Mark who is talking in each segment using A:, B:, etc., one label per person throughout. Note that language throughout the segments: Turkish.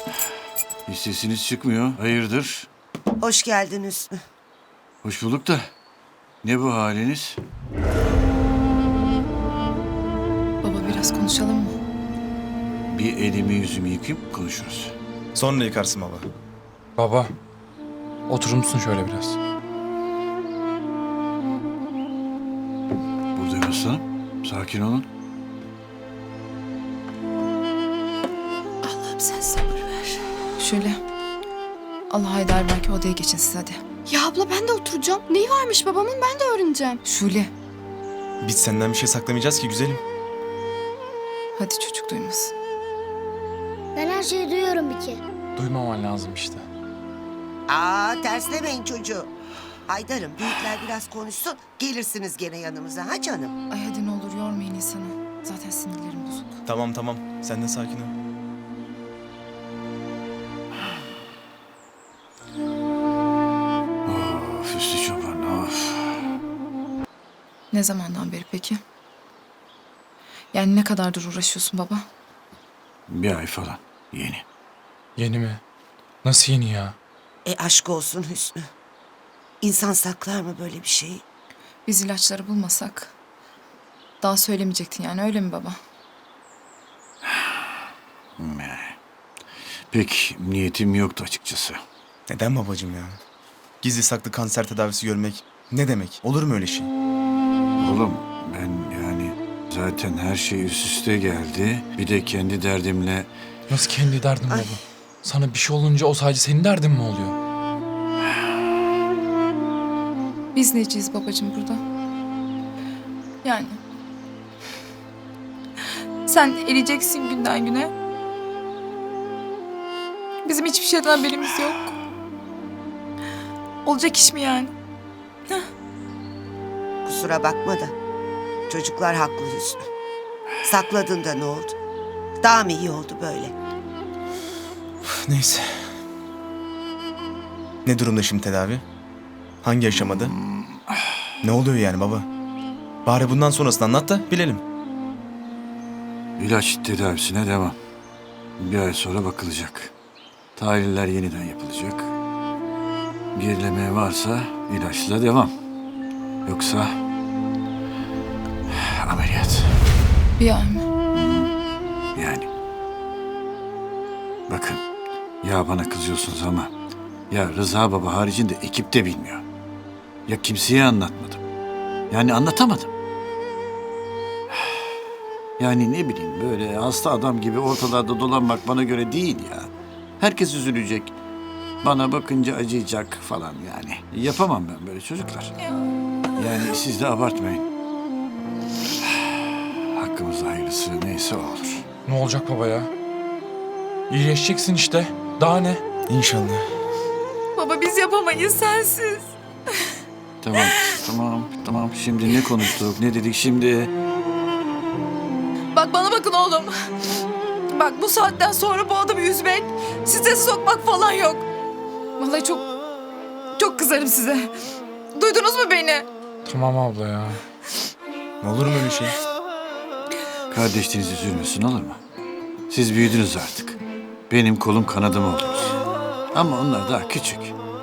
A: Hiç sesiniz çıkmıyor. Hayırdır?
B: Hoş geldin Hüsnü.
A: Hoş bulduk da. Ne bu haliniz?
C: Baba biraz konuşalım mı?
A: Bir elimi yüzümü yıkayıp konuşuruz.
D: Sonra yıkarsın baba.
E: Baba, oturur musun şöyle biraz?
A: Buradayım aslanım. Sakin olun.
C: Allah'ım sen sabır ver. Şöyle. Allah Haydar belki odaya geçin siz hadi.
F: Ya abla ben de oturacağım. Neyi varmış babamın ben de öğreneceğim.
C: Şule.
D: Biz senden bir şey saklamayacağız ki güzelim.
C: Hadi çocuk duymasın.
G: Ben her şeyi duyuyorum bir kere.
E: Duymaman lazım işte.
B: Terslemeyin çocuğu. Haydar'ım büyükler biraz konuşsun. Gelirsiniz gene yanımıza ha canım.
C: Ay hadi ne olur yormayın insanı. Zaten sinirlerim bozuk.
D: Tamam. Sen de sakin ol.
A: Of Üstü Çoban of.
C: Ne zamandan beri peki? Yani ne kadardır uğraşıyorsun baba?
A: Bir ay falan. Yeni.
E: Yeni mi? Nasıl yeni ya?
B: Aşk olsun Hüsnü. İnsan saklar mı böyle bir şeyi?
C: Biz ilaçları bulmasak daha söylemeyecektin yani öyle mi baba?
A: Pek niyetim yoktu açıkçası.
D: Neden babacığım ya? Gizli saklı kanser tedavisi görmek ne demek? Olur mu öyle şey?
A: Oğlum ben yani zaten her şey üst üste geldi. Bir de kendi derdimle
E: Nasıl kendi derdin baba? Sana bir şey olunca o sadece senin derdin mi oluyor?
C: Biz neciyiz babacığım burada? Yani. Sen eriyeceksin günden güne. Bizim hiçbir şeyden haberimiz yok. Olacak iş mi yani?
B: Kusura bakma da. Çocuklar haklı Hüsnü. Sakladın da ne oldu? Daha mı iyi oldu böyle?
D: Neyse. Ne durumda şimdi tedavi? Hangi aşamada? Ne oluyor yani baba? Bari bundan sonrasını anlat da bilelim.
A: ilaç tedavisine devam. Bir ay sonra bakılacak. Tahliller yeniden yapılacak. Gerileme varsa ilaçla devam. Yoksa ameliyat.
C: Bir ay mı?
A: Yani. Bakın ya bana kızıyorsunuz ama ya Rıza Baba haricinde ekip de bilmiyor. Ya kimseye anlatmadım. Yani anlatamadım. Yani ne bileyim böyle hasta adam gibi ortalarda dolanmak bana göre değil ya. Herkes üzülecek. Bana bakınca acıyacak falan yani. Yapamam ben böyle çocuklar. Yani siz de abartmayın. Hakkımızda hayırlısı neyse o olur.
E: Ne olacak baba ya? İyileşeceksin işte. Daha ne?
D: İnşallah.
C: Baba biz yapamayız sensiz.
A: Tamam. Şimdi ne konuştuk, ne dedik şimdi?
C: Bak bana bakın oğlum. Bak bu saatten sonra bu adamı üzmek, strese sokmak falan yok. Vallahi çok kızarım size. Duydunuz mu beni?
E: Tamam abla ya.
D: Olur mu öyle şey?
A: Kardeşiniz üzülmesin olur mu? Siz büyüdünüz artık. Benim kolum kanadım oldunuz. Ama onlar daha küçük.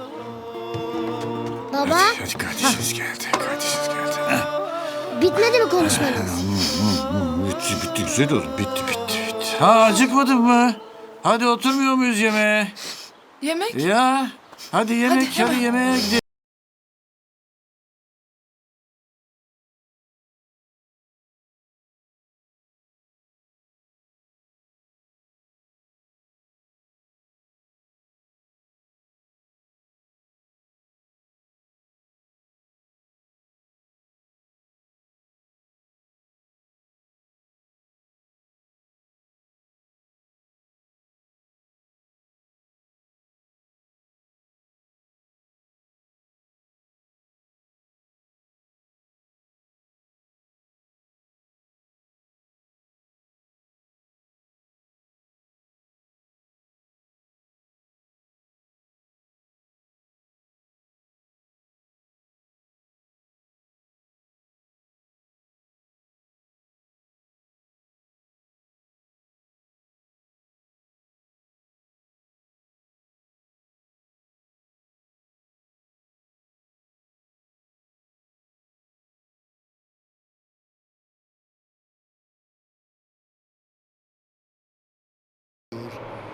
G: Baba,
A: Hadi kardeşiniz geldi. Heh.
G: bitmedi mi konuşmanız?
A: Bitti güzel oldu. Bitti. Ha acıkmadın mı? Hadi oturmuyor muyuz yemeğe?
C: Yemek?
A: Ya hadi yemek,
C: Hadi
A: hadi yemeğe gidelim.